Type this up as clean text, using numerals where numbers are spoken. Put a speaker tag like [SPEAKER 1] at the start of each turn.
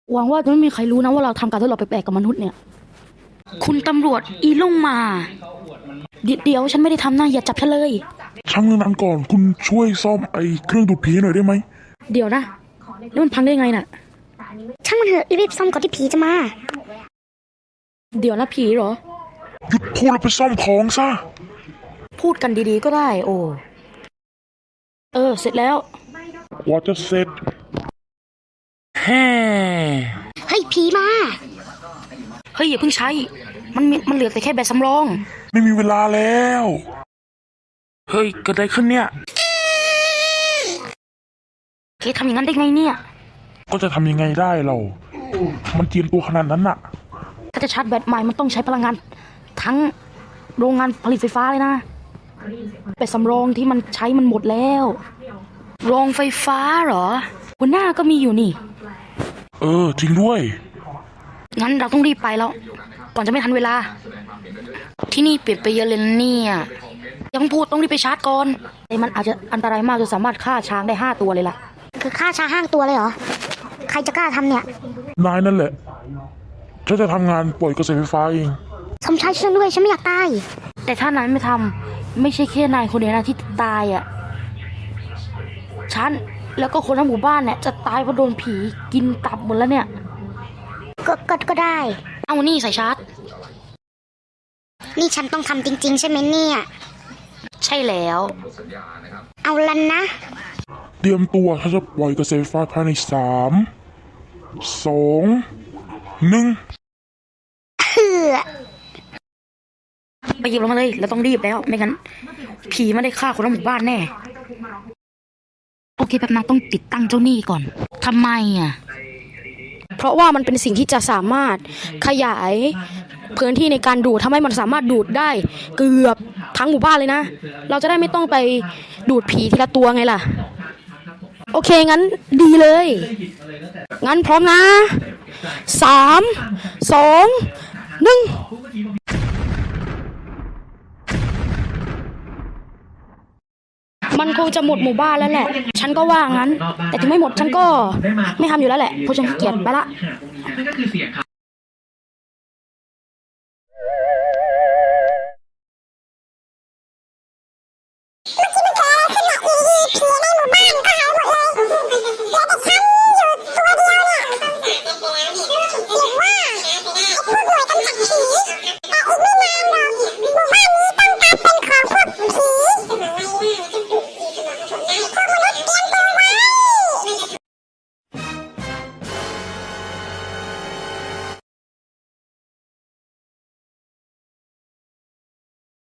[SPEAKER 1] หวังว่าจะไม่มีใครรู้นะว่าเราทำการทดลองแปลกๆกับมนุษย์เนี่ยคุณตำรวจอีลงมาเดี๋ยวฉันไม่ได้ทำนะอย่าจับฉันเลย
[SPEAKER 2] ช่างเรื่องนั้นก่อนคุณช่วยซ่อมไอ้เครื่องดูดผีหน่อยได้ไหม
[SPEAKER 1] เดี๋ยวนะแล้วมันพังได้ไงน่ะ
[SPEAKER 3] ช่างมันเถอะรีบซ่อมก่อนที่ผีจะมา
[SPEAKER 1] เดี๋ยวนะผีเหรอ
[SPEAKER 2] หยุดพูดแล้วไปซ่อมของซะ
[SPEAKER 1] พูดกันดีๆก็ได้โอ้เสร็จแล้ว
[SPEAKER 2] กว่าจะเสร็จแฮ่
[SPEAKER 3] เฮ้ยผีมา
[SPEAKER 1] เฮ้ยอย่าเพิ่งใช้มันเหลือแต่แค่แบตสำรอง
[SPEAKER 2] ไม่มีเวลาแล้วเฮ้ยเกิดอะไรขึ้นเนี่ย
[SPEAKER 1] เคทำอย่างนั้นได้ไงเนี่ย
[SPEAKER 2] ก็จะทำยังไงได้เรามันเจียมตัวขนาดนั้นน่ะ
[SPEAKER 1] ถ้าจะชาร์จแบตใหม่มันต้องใช้พลังงานทั้งโรงงานผลิตไฟฟ้าเลยนะแบตสำรองที่มันใช้มันหมดแล้วโรงไฟฟ้าเหรอหัวหน้าก็มีอยู่นี่
[SPEAKER 2] จริงด้วย
[SPEAKER 1] งั้นเราต้องรีบไปแล้วก่อนจะไม่ทันเวลาที่นี่เปลี่ยนไปเยอะเลยเนี่ยยังพูดต้องรีบไปชาร์จก่อนแต่มันอาจจะอันตรายมากจนสามารถฆ่าช้างได้5 ตัวเลยล่ะ
[SPEAKER 3] คือฆ่าช้าง5 ตัวเลยเหรอใครจะกล้าทำเนี่ย
[SPEAKER 2] นายนั่นแหละฉันจะทำงานปล่อยกระแสไฟฟ้าเอง
[SPEAKER 3] สมชายช่วยด้วยฉันไม่อยากตาย
[SPEAKER 1] แต่ถ้านายไม่ทำไม่ใช่แค่นายคนเดียวนะที่ตายอ่ะฉันแล้วก็คนทั้งหมู่บ้านเนี่ยจะตายเพราะโดนผีกินตับหมดแล้วเนี่ย
[SPEAKER 3] ก็ได้
[SPEAKER 1] เอานี่ใส่ชาร์จ
[SPEAKER 3] นี่ฉันต้องทำจริงๆใช่ไหมเนี่ย
[SPEAKER 1] ใช่แล้ว
[SPEAKER 3] เอาลันนะ
[SPEAKER 2] เตรียมตัวฉันจะปล่อยกระแสไฟฟ้าภายใน3 2 1
[SPEAKER 1] ไปหยิบลงมาเลยเราต้องรีบแล้วไม่งั้นผีไม่ได้ฆ่าคนทั้งหมู่บ้านแน่โอเคแป๊บนึงต้องติดตั้งเจ้าหนี้ก่อนทำไมอ่ะเพราะว่ามันเป็นสิ่งที่จะสามารถขยายพื้นที่ในการดูดทำให้มันสามารถดูดได้เกือบทั้งหมู่บ้านเลยนะเราจะได้ไม่ต้องไปดูดผีทีละตัวไงล่ะโอเคงั้นดีเลยงั้นพร้อมนะ3 2 1มันคงจะหมดหมู่บ้านแล้วแหละฉันก็ว่างั้นแต่ถึงไม่หมดฉันก็ไม่ทำอยู่แล้วแหละเพราะฉันขี้เกียจไปละ